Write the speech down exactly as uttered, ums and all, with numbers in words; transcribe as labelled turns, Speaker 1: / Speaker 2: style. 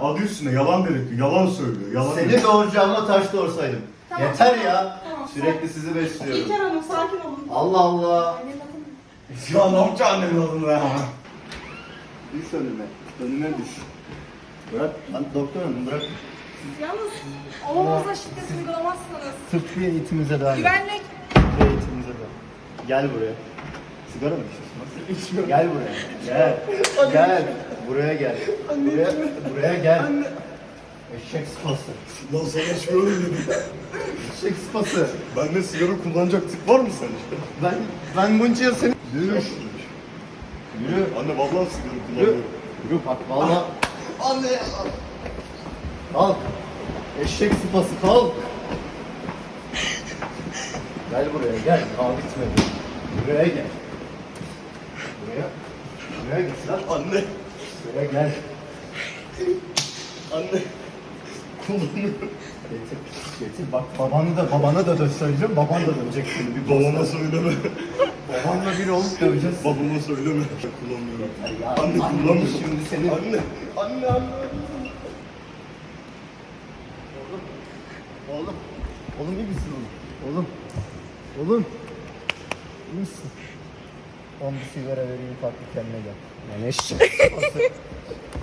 Speaker 1: Adı üstüne yalan direkt. Yalan söylüyor. Yalan
Speaker 2: Seni
Speaker 1: direkt.
Speaker 2: doğuracağıma taş doğursaydım.
Speaker 3: Tamam,
Speaker 2: Yeter
Speaker 3: tamam,
Speaker 2: ya.
Speaker 3: tamam,
Speaker 2: Sürekli sizi besliyorum.
Speaker 3: İlker Hanım sakin olun.
Speaker 2: Allah Allah.
Speaker 3: Anne bakın.
Speaker 1: Ya ne yapacaksın annemin adını ya?
Speaker 2: Düş önüme. Önüme düş. Bırak. Lan doktor hanım bırak.
Speaker 3: Yalnız oğlunuza şiddet uygulamazsanız.
Speaker 2: Tıbbi eğitimimize devam et.
Speaker 3: Güvenlik.
Speaker 2: Tıbbi eğitimimize devam. Gel buraya. Sigara mı içiyorsun? İçmiyorum. Gel buraya. Gel. Gel. Buraya gel. Buraya, buraya gel. Eşek sıpası.
Speaker 1: Lan sana şöyle dedim.
Speaker 2: Eşek sıpası.
Speaker 1: Bende sigara kullanacak tip var mı sence?
Speaker 2: Ben, ben bunca yıl seni... Yürü. Yürü.
Speaker 1: Anne vallahi sigara
Speaker 2: Yürü.
Speaker 1: kullanıyorum.
Speaker 2: Yürü bak valla.
Speaker 1: Anne ya.
Speaker 2: Kalk. Eşek sıpası kalk. Gel buraya gel. Kalk gitme. Buraya gel. Buraya. Buraya git lan.
Speaker 1: Anne.
Speaker 2: Buraya gel.
Speaker 1: Anne. Kullanıyorum.
Speaker 2: Getir. Getir bak babanı da babanı da dö söyleyeceğim. Baban da dövecek seni. Bir
Speaker 1: Babama söyleme.
Speaker 2: Babanla bir olup döveceğiz.
Speaker 1: Babama söyleme. Kullanmıyorum.
Speaker 2: Ya,
Speaker 1: Anne
Speaker 2: anne
Speaker 1: kullanmıyorum.
Speaker 2: şimdi seni.
Speaker 1: Anne. Anne anne.
Speaker 2: Oğlum. Oğlum iyi misin oğlum? Oğlum. Oğlum. İyi misin? On bir sigara vereyim farklı kendine gel. Yani eşek sıpası.